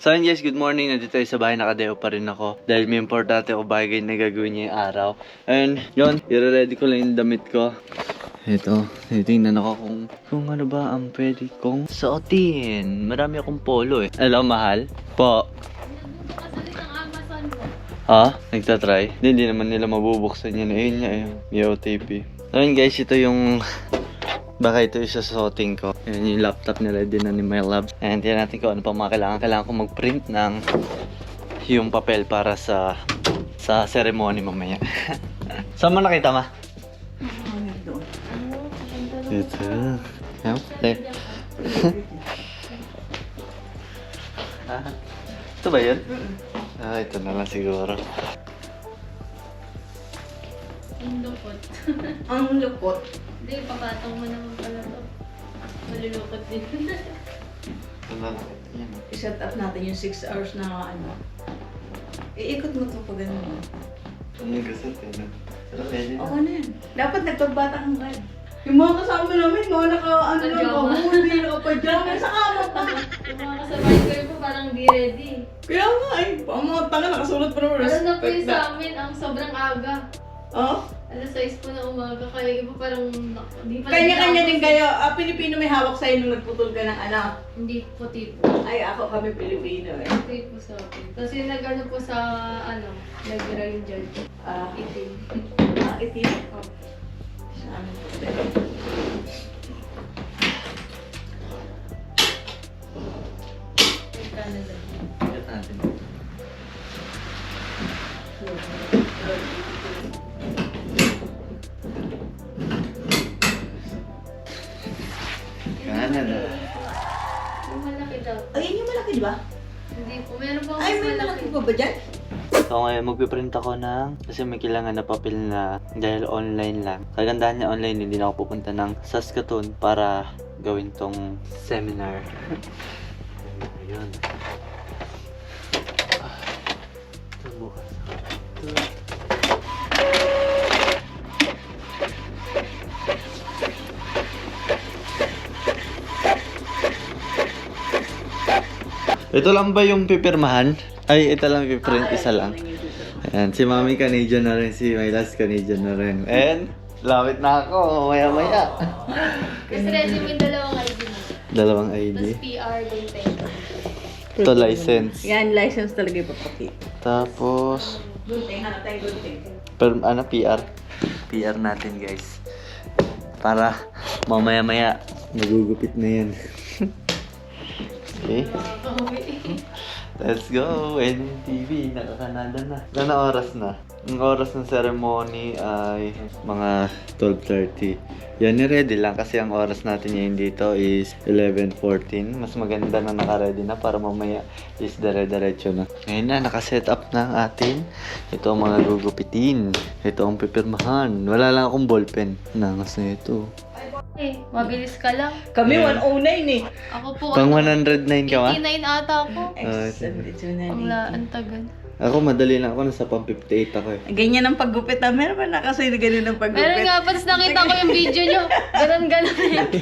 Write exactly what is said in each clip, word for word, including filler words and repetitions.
So yun guys, good morning. Nandito tayo sa bahay, nakadeo pa rin ako. Dahil may importante ako bagay na gagawin niya yung araw. And yun, i-ready ko lang yung damit ko. Ito, titingnan ako kung, kung ano ba ang pwede kong suotin. Marami akong polo eh. Alam, mahal? Po. Ha? Nagtatry? Hindi, hindi naman nila mabubuksan yan. Ayun nga eh, may O T P. Ayun guys, ito yung... Baka ito yung susuotin ko. Yan yung laptop na ready na ni My Love. And tignan natin kung ano pa mga kailangan. Kailangan ko mag-print ng yung papel para sa sa ceremony mamaya. Saan mo nakita, ma? Ito. Okay. Ah, ito ba yun? Ah, ito na lang siguro. Ang lupot. Ang lupot. Hindi, papatong mo naman pala to. Malulukot din. Ito na lang. Yan. I-set up natin yung six hours na ano. Iikot mo ito pag ano. Ano yung gasot eh, no? Pero pwede na. Oo na yan. Dapat nagpagbata kang red. Yung mga kasama namin, mga naka, ano lang, Pajama. kahuli, naka-pajama sa kama pa. Yung mga kasabay ko rin po parang di ready. Kaya nga eh, ang mga tanga nakasulat pa naman. Ano na po yung sa amin, ang sobrang aga. Oh? Alas sais po na umaga, kaya iba parang di pa Kanya-kanya din kayo. Ah, Pilipino may hawak sa'yo nung nagputol ka ng anak. Hindi po tipo. Ay, ako kami Pilipino eh. Hindi po sa akin. Kasi nag-ano po sa, ano, nag-rain dyan. Ah, Itim. ah, itim. Oh. Sa amin po. Yung Canada. Ito natin. Canada. Yung malaki daw. Ayun yung malaki, di ba? Hindi po. Meron po Ay, mas may malaki pa ba dyan? So ngayon magpiprint ako ng kasi may kailangan na papel na dahil online lang. Kagandahan niya online, hindi na ako pupunta ng Saskatoon para gawin tong seminar. Ayun. Ah, ito bukas. Ito. Ito lang ba yung pipirmahan? Ay, ito lang piprint, isa lang. Ayan, si Mami Canadian na rin, si Mylas Canadian na rin. And, lapit na ako, maya-maya. Kasi resume yung dalawang I D mo. Dalawang I D. Tapos P R din tayo. Ito, license. Yan, license talaga ipapakita. Tapos, Gunting, hanap tayo gunting. per, ano, P R. P R natin, guys. Para, mamaya-maya, nagugupit na yan. Okay. Let's go! N T V, naka-Canada na. Ilang oras na? Ang oras ng ceremony ay mga twelve thirty. Yan, ni-ready lang kasi ang oras natin ngayon dito is eleven fourteen. Mas maganda na naka-ready na para mamaya is dire-diretso na. Ngayon na, naka-set up na ang atin. Ito ang mga gugupitin. Ito ang pipirmahan. Wala lang akong ballpen. Nangas na ito. Eh, mabilis ka lang. Kami Yeah. one oh nine eh. Ako po, Pang ano, one oh nine ka ba? eighty-nine ata ako. Ah, X seventy-two na Ang la, ang tagal. Ako, madali lang ako. Nasa pang fifty-eight ako eh. Ganyan ang paggupit na. Meron ba na kasi ganyan ang paggupit? Meron nga, pas nakita ko yung video nyo. Ganon, ganon.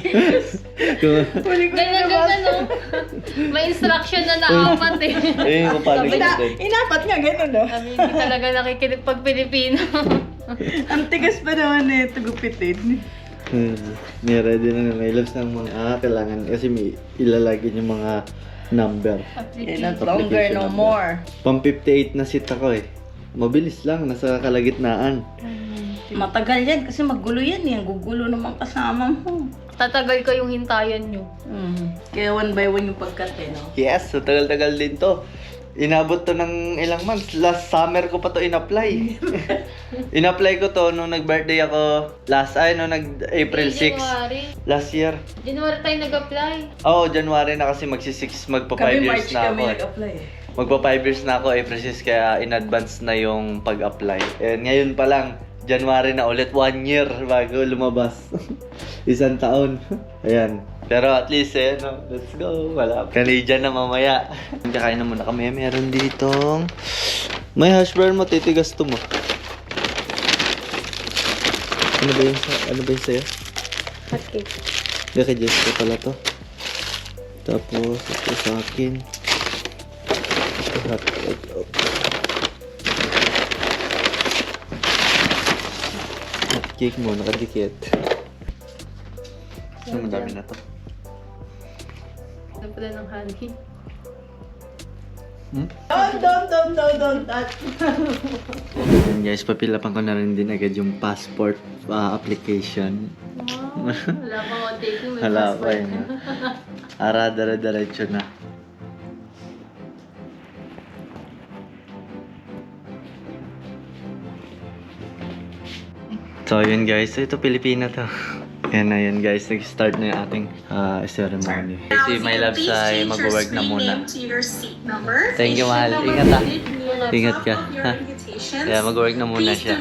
Huli ko na Ganon, naman. ganon, no? May instruction na naapat eh. Eh, kung paano Sabi Ina, gamitin. inapat nga, gano'n no? Kami hindi talaga nakikinig pag Pilipino. Ang tigas pa naman eh, ito gupitin. Hmm. Ni-ready na na may loves ng mga ah, kailangan kasi may ilalagay yung mga number. Eh, not longer, no more. Pang fifty-eight na seat ako eh. Mabilis lang, nasa kalagitnaan. Matagal yan kasi magulo yan eh. Ang gugulo naman kasama mo. Tatagal ko yung hintayan nyo. Mm. Kaya one by one yung pagkat eh, no? Yes, so tagal-tagal din to. Inabot to ng ilang months. Last summer ko pa to in-apply. In-apply ko to nung nag-birthday ako last, ay, nung nag-April sixth. January. Last year. January tayo nag-apply. Oo, oh, January na kasi magsi-six, magpa five Kami years March na ako. kami eh. nag-apply eh. Magpa five years na ako, April sixth, kaya in advance na yung pag-apply. And ngayon pa lang, January na ulit, one year bago lumabas. Isang taon. Ayan. Pero at least eh, no, let's go. Wala. Canadian na mamaya. Kakain na muna kami. Meron ditong... May hash brown mo, titigas to mo. Ano ba yung, sa- ano ba yung sa'yo? Hot cake. Hindi, kay Jessica pala to. Tapos, ito sa akin. Hot, hot, hot. Hot cake mo, nakadikit. So, madami na to. Ano pala ng honey? Hmm? Don't, don't, don't, don't, don't touch. Ayan guys, papilapan ko na rin din agad yung passport uh, application. Wow. Wala pa ako taking may Hala pa passport yun. na. Ara, dara-diretso na. So yun guys, so ito Pilipina to. Yan na yun guys, nag-start na yung ating uh, ceremony. Si My Love ay mag-work na muna. Thank you, mahal. Ingat ha. Ingat ka. Ha? Kaya mag-work na muna siya.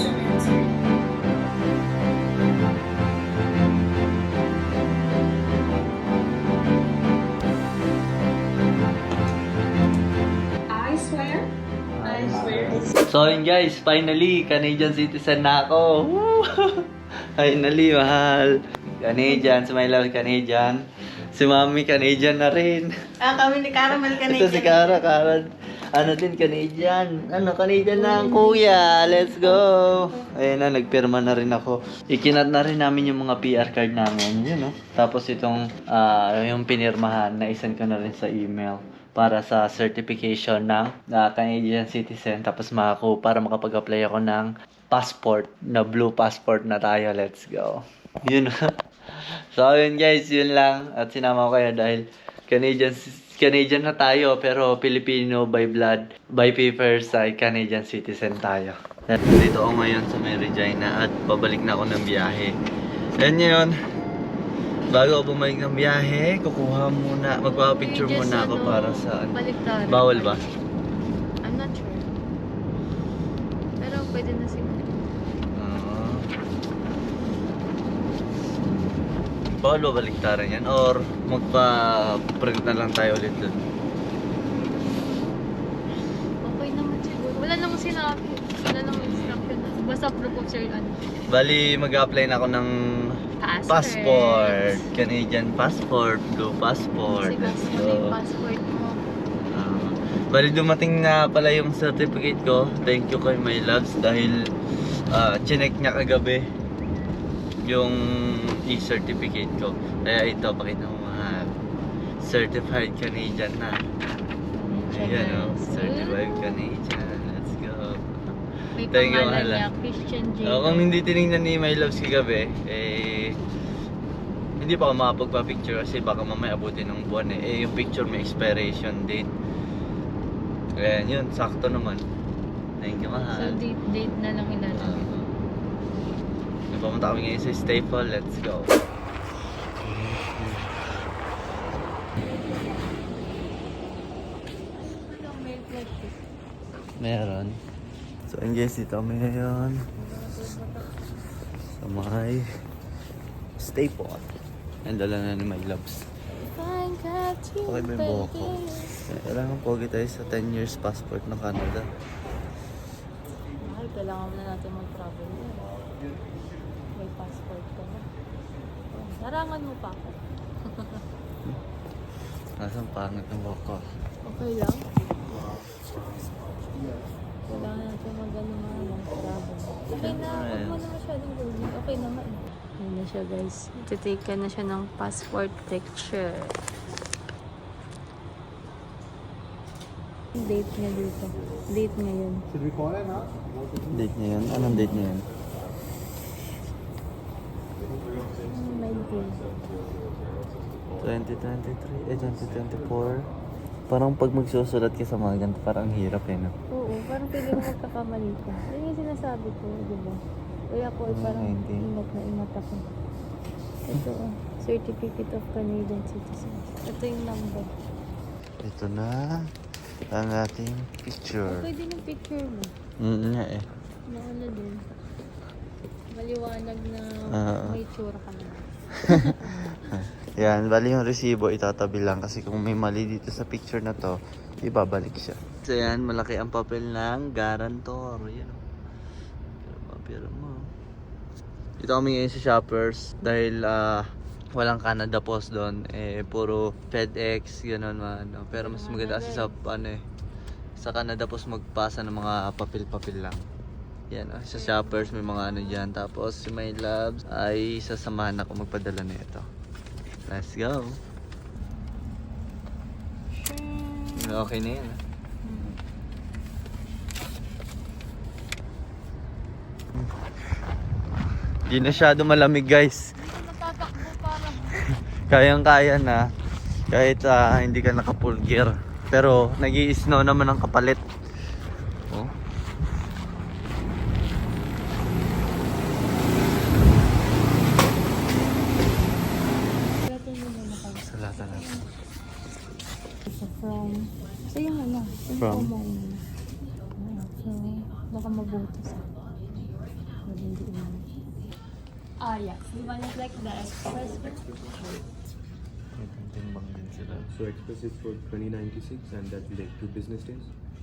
I swear. I swear. So yun guys, finally, Canadian citizen na ako. Woo! Finally, mahal. Canadian, si My Love Canadian. Si Mami Canadian na rin. Ah, kami ni Caramel Canadian. Ito si Cara, Cara. Ano din, Canadian. Ano, Canadian na ang kuya. Let's go. Ayun na, nagpirma na rin ako. Ikinat na rin namin yung mga P R card namin. Yun, no? Tapos itong, ah, yung pinirmahan, na-isend ko na rin sa email para sa certification ng uh, Canadian citizen. Tapos makako para makapag-apply ako ng passport, na blue passport na tayo. Let's go. Yun. So, yun guys, yun lang. At sinama ko kayo dahil Canadian Canadian na tayo, pero Filipino by blood, by papers ay Canadian citizen tayo. Dito ako ngayon sa May Regina at babalik na ako ng biyahe. And yun, bago ako bumalik ng biyahe, kukuha muna, magpapapicture Just muna ako ano, para sa... baliktaran. Bawal ba? I'm not sure. Pero pwede na siguro. Ah. Bawal ba baliktaran yan? Or magpa-print na lang tayo ulit dun? Okay naman siguro. Wala namang sinabi. Wala namang instruction. Basta proof of sale ano. Bali, mag-apply na ako ng Passport. passport. Canadian passport, blue passport. Kasi Let's gusto mo na yung go. passport mo. Ah, bali, dumating na pala yung certificate ko. Thank you kay My Loves dahil uh, chinek niya kagabi yung e-certificate ko. Kaya ito, pakita mo mga certified Canadian na. Ayan o, certified Canadian. Let's go. May Thank you, pangalan mahal. niya, Christian J. Uh, kung hindi tinignan ni My Loves kagabi, eh, hindi pa ako makapagpa-picture kasi baka mamaya abutin ng buwan eh. Eh, yung picture may expiration date. Kaya yun, sakto naman. Thank you, So mahal. date, date na lang ilalagay. Uh, Pumunta kami ngayon sa Staple. Let's go. Meron. So, and guys, dito kami ngayon sa may Staple. Ang dala na ni My Loves. Okay ba yung buhok ko? Eh, Kailangan pogi tayo sa ten years passport ng Canada. Mahal, kailangan na natin mag-travel. May passport ka na. Narangan mo pa ako. Nasaan pangit ng buhok ko? Okay lang. Kailangan natin mag-ano mga mag-travel. Okay na, huwag mo na masyadong gawin. Okay naman. Ayan na siya guys. Titake ka na siya ng passport picture. Date niya dito. Date ngayon. Date niya yun? Anong date niya yun? nineteen. twenty twenty-three, eh twenty twenty-four. Parang pag magsusulat ka sa mga ganito, parang ang hirap eh, no? Oo, parang pwede mo magkakamali ka. Yan yung sinasabi ko, di ba? Kaya ako ay parang nineteen. ingat na ingat ako. Ito, oh, Certificate of Canadian Citizen. Ito yung number. Ito na ang ating picture. Okay din yung picture mo. Mm nga eh. Maano din. Maliwanag na Oo. may tsura ka na. Yan, bali yung resibo itatabi lang kasi kung may mali dito sa picture na to, ibabalik siya. So yan, malaki ang papel ng guarantor. Yan o. Pero papel mo. Dito kami ngayon sa Shoppers dahil ah, walang Canada Post doon. Eh, puro FedEx, gano'n man. No? Pero mas maganda kasi sa ano eh. sa Canada, tapos magpasa ng mga papel-papel lang. Yan, oh, sa shoppers may mga ano dyan. Tapos si My Labs ay sasamahan ako magpadala na ito. Let's go. Okay na yan. ah. Di na masyado malamig guys. Natatakbo parang. Kayang-kaya na. Kahit ah, hindi ka naka-full gear. Pero nag-i-snow naman ang kapalit. Oh. Latin mo muna kayo. Salata na. So, from... So, yung ano, yung From? promo mo. So, baka mabuti sa Pero hindi naman. Ah, yeah. You want it like the express? May timbang din sila. So Express is for twenty ninety-six and that will take two business days.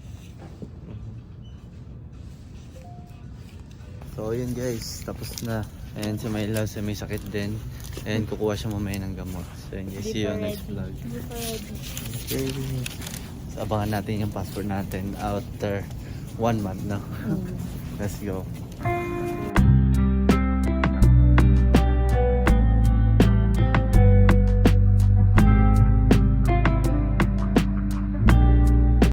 So yun guys, tapos na. And si My Love, may sakit din. And kukuha siya mamaya ng gamot. So yun guys, see you on next vlog. Hindi pa ready. Okay. So abangan natin yung passport natin after one month, no? Mm. Let's go.